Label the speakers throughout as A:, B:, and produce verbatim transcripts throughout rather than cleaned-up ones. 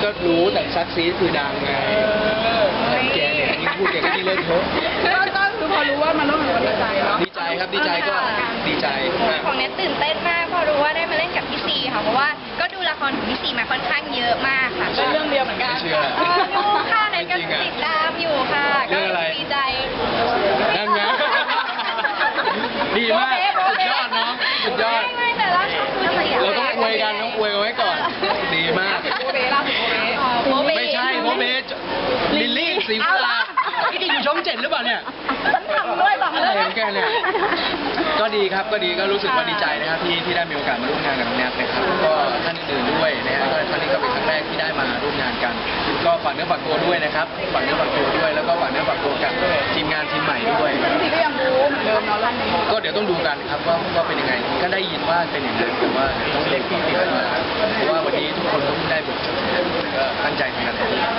A: ก็รู้แต่ซักซีคือดังไงแกเนี่ยยิ่งพูดแกก็ยิ่งเล่นเถอะ
B: ก็ก็คือพอรู้ว่ามันต้องมันดีใจเนาะ
A: ดีใจครับดีใจก็ดีใจ
C: ของเน็ตตื่นเต้นมากพอรู้ว่าได้มาเล่นกับพี่ซีค่ะเพราะว่าก็ดูละครของพี่ซีมาค่อนข้างเยอะมากค่ะ
B: เรื่องเดียวเหมือนกัน
C: ดูค่ะเน็ตก็ติดตามอยู่ค่ะก็ดีใจ
A: นั่นไงดีมากสุดยอดน้องสุดยอด
C: ไม่แต่ละ
A: เราต้องอวยกันต้องอวยกันไว้ก่อนดีมาก
B: โบเบ้ล่าสุดโบเบ้
A: ไม่ใช่โบเบ้ลิลลี่สีฟ้าพี่จะอยู่ช่องเจ็ดหรือเปล่าเนี่ย
B: ฉันทำด้วยบอกเลย
A: แกเนี่ยก็ดีครับก็ดีก็รู้สึกว่าดีใจนะครับที่ที่ได้มีโอกาสมาร่วมงานกับน้องแนทนะครับก็ท่านอื่นด้วยนะฮะก็ท่านนี้ก็เป็นครั้งแรกที่ได้มาร่วมงานกันก็ฝากเนื้อฝากตัวด้วยนะครับฝากเนื้อฝากตัวด้วยแล้วก็ฝากเนื้อฝากตัวกับทีมงานทีมใหม่ด้วย
B: พี่ก็ยังรู้เหมือนเดิมเนาะเรื่องนี้
A: ก็เดี๋ยวต้องดูกันครับว่าว่าเป็นยังไงก็ได้ยินว่าเป็นอย่างนั้นแต่ว่าต้องเล็กที่ติดมาเพราะว่าวันนี้ทุกคนต้องได้บทก็ตั้งใจทำงาน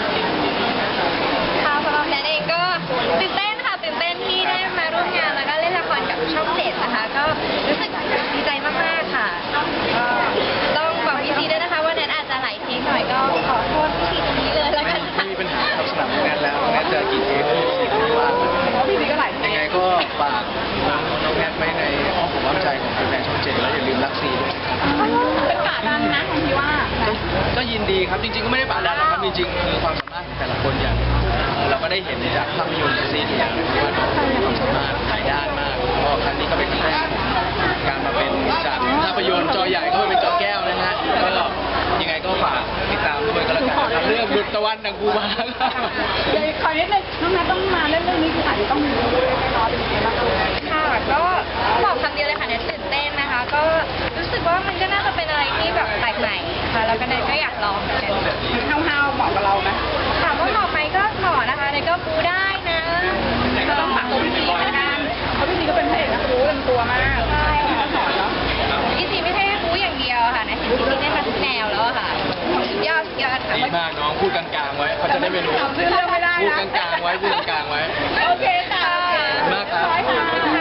C: ค่ะสำหรับแนทเองก็ตื่นเต้นค่ะตื่นเต้นที่ได้มาร่วมงานแล้วก็เล่นละครกับช่องเจ็ดนะคะก็รู้สึกดีใจมากๆค่ะก็ต้องบอกพี่ซีด้วยนะคะว่าแนทอาจจะไหลเทคหน่อยก็ขอโทษพี่ซีตรงนี้เลยแล้วกัน
A: ไม่มีปัญหาครับสำหรับงานแล้วแนทจะกี่เทคไม่ว่า
B: พี่ซีก็ไหล
A: ยังไงก็ฝากน้องแนทไว้ในอ้อมอกอ้อมใจของแฟนช่องเจ็ดแล้วอย่าลืมรักซีด้วยนะครับ
B: เป็นป่าดันนะของพี่ว่า
A: ก็ยินดีครับจริงๆก็ไม่ได้ป่าดันหรอกครับจริงๆคือความสามารถของแต่ละคนอย่างเราก็ได้เห็นจากภาพยนตร์ซีรีส์อย่างว่าน้องมีความสามารถหลายด้านมากก็ครั้งนี้ก็เป็นครั้งแรกการมาเป็นจากภาพยนตร์จอใหญ่ก็เป็นจอแก้วนะฮะก็ยังไงก็ฝากติดตามด้วยก็แล้วกันครับเรื่องดุจตะวันดังกูมา
B: เดี๋ยวขอนิดนึงน้องนัทต้องมาเล่นเรื่องนี้คืออาจจะต้องมีด้วยแน่นอนเป็นยังไงบ้าง
C: ค่ะก็บอกคำเดียวเลยค่ะเนทตื่นเต้นนะคะก็รู้สึกว่ามันก็น่าจะเป็นอะไรที่แบบแปลกใหม่ค่ะแล้วก็เนทก็อยากลองเหมือนกัน
B: ห้าวๆเหมาะกับเราไหม
C: ถามว่าเหมาะไหมก็เหมาะนะคะเนทก็ปูได้นะ
B: ก็ต้องฝากตัวพี่ซีเหมือนกันเพราะพี่ซีก็เป็นพระเอกนักรู้เต็มตัวมาก
C: ใช่ค่ะสอนเนาะพี่ซีไม่ใช่ปูอย่างเดียวค่ะเนทเห็นพี่ซีได้มาทุกแนวแล้วค่ะสุดยอดสุดยอดค่ะ
A: ดีมากน้องพูดกลางๆไว้เขาจะได้ไม่รู้
B: พูดเรื่องไม่ได้
A: พูดกลางๆไว้พูดกลางๆไว้
B: โอเคค่ะ
A: มากครับ